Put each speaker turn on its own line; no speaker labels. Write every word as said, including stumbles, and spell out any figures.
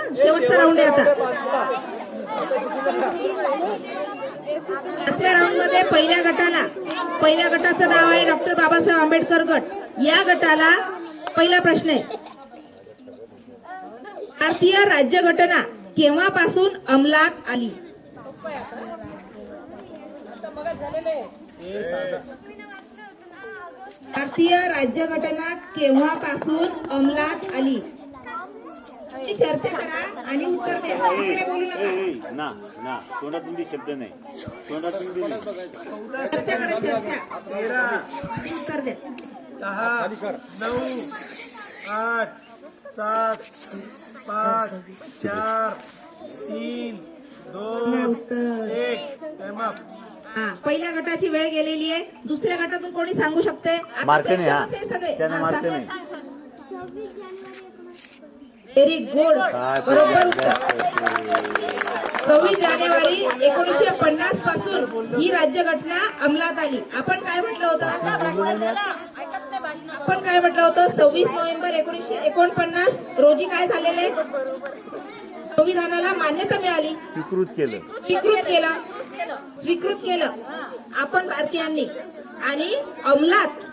शेवटचा राऊंड आहे आता. पाचव्या राऊंड मध्ये पहिल्या गटाला पहिल्या गटाचं नाव आहे डॉक्टर बाबासाहेब आंबेडकर गट. या गटाला पहिला प्रश्न आहे, भारतीय राज्यघटना केव्हापासून अंमलात आली? भारतीय राज्यघटना केव्हापासून अंमलात आली? चर्चा करा आणि उत्तर द्या. बोलू नका.
ना ना तोंडातून बी शब्द नाही, तोंडातून बी
चर्चा करा. चर्चा उत्तर द्या.
दहा नऊ आठ सात पाच चार तीन दोन एक. Time up.
हा, पहिल्या गटाची वेळ गेलेली आहे. दुसऱ्या गटातून कोणी सांगू शकते? आता
मारते नाही, हा.
प्रेक्षकच आहे सगळे.
त्याने
हा,
मारते
सांगा.
नाही.
व्हेरी गुड, बरोबर उत्तर. सव्वीस जानेवारी एकोणीसशे पन्नास पासून ही राज्यघटना अंमलात आली. आपण काय म्हटलं होतं? आपण काय म्हटलं होतं? सव्वीस नोव्हेंबर एकोणीसशे एकोणपन्नास रोजी काय झालेले? संविधानाला मान्यता मिळाली,
स्वीकृत केलं,
स्वीकृत केलं स्वीकृत केलं आपण भारतीयांनी आणि अंमलात